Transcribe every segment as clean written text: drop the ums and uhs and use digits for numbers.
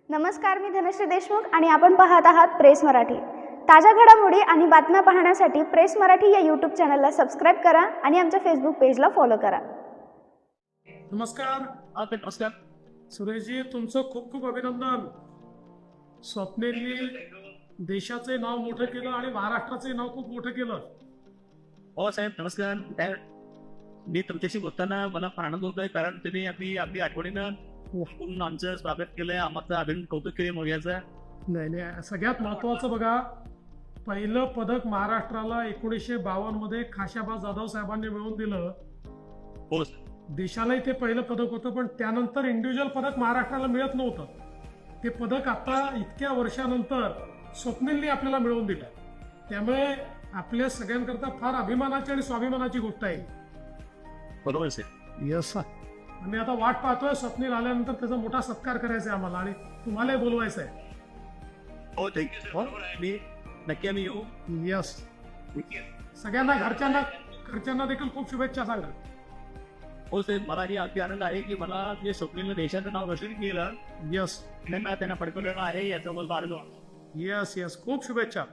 नमस्कार, मी धनश्री देशमुख आणि आपण पाहत आहात प्रेस मराठी। ताज्या घडामोडी आणि बातम्या पाहण्यासाठी प्रेस मराठी या यूट्यूब चॅनलला सबस्क्राइब करा आणि आमच्या फेसबुक पेजला फॉलो करा। नमस्कार। नमस्कार सुरेशजी, तुमचं खूप खूप अभिनंदन। स्वप्नेलनी देशाचे नाव मोठं केलं आणि महाराष्ट्राचे नाव खूप मोठं केलं। हो साहेब, नमस्कार। मी तुमच्याशी बोलताना मला आनंद होतोय, कारण तुम्ही आपली आठवणीनं खूप आमचं स्वागत केलंय, आमचं अभिनंदन कौतुक केले मोर्याचं। नाही, सगळ्यात महत्त्वाचं बघा, पहिलं पदक महाराष्ट्राला 1952 मध्ये खाशाबा जाधव साहेबांनी मिळवून दिलं। हो, देशालाही ते पहिलं पदक होतं, पण त्यानंतर इंडिव्हिज्युअल पदक महाराष्ट्राला मिळत नव्हतं। ते पदक आता इतक्या वर्षानंतर स्वप्नेलनी आपल्याला मिळवून दिलं, त्यामुळे आपल्या सगळ्यांकरता फार अभिमानाची आणि स्वाभिमानाची गोष्ट आहे। बरोबर साहेब। यस, आम्ही आता वाट पाहतोय स्वप्नील आल्यानंतर त्याचा मोठा सत्कार करायचा आहे आम्हाला, आणि तुम्हालाही बोलवायचं आहे। हो, थँक्यू सर। मी नक्की आम्ही येऊ। यस, सगळ्यांना घरच्यांना देखील खूप शुभेच्छा सांगा। हो साहेब, मला ही अगदी आनंद आहे की मला जे स्वप्नीलनं देशाचं नाव रोशन केलं, यस मला त्यांना पडकवलेलं आहे, याचा मला फार यस खूप शुभेच्छा,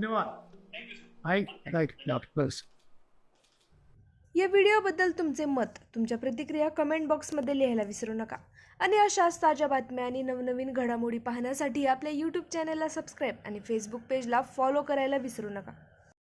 धन्यवाद। या व्हिडिओबद्दल तुमचे मत, तुमच्या प्रतिक्रिया कमेंट बॉक्समध्ये लिहायला विसरू नका आणि अशाच ताज्या बातम्या आणि नवनवीन घडामोडी पाहण्यासाठी आपल्या यूट्यूब चॅनलला सबस्क्राईब आणि फेसबुक पेजला फॉलो करायला विसरू नका।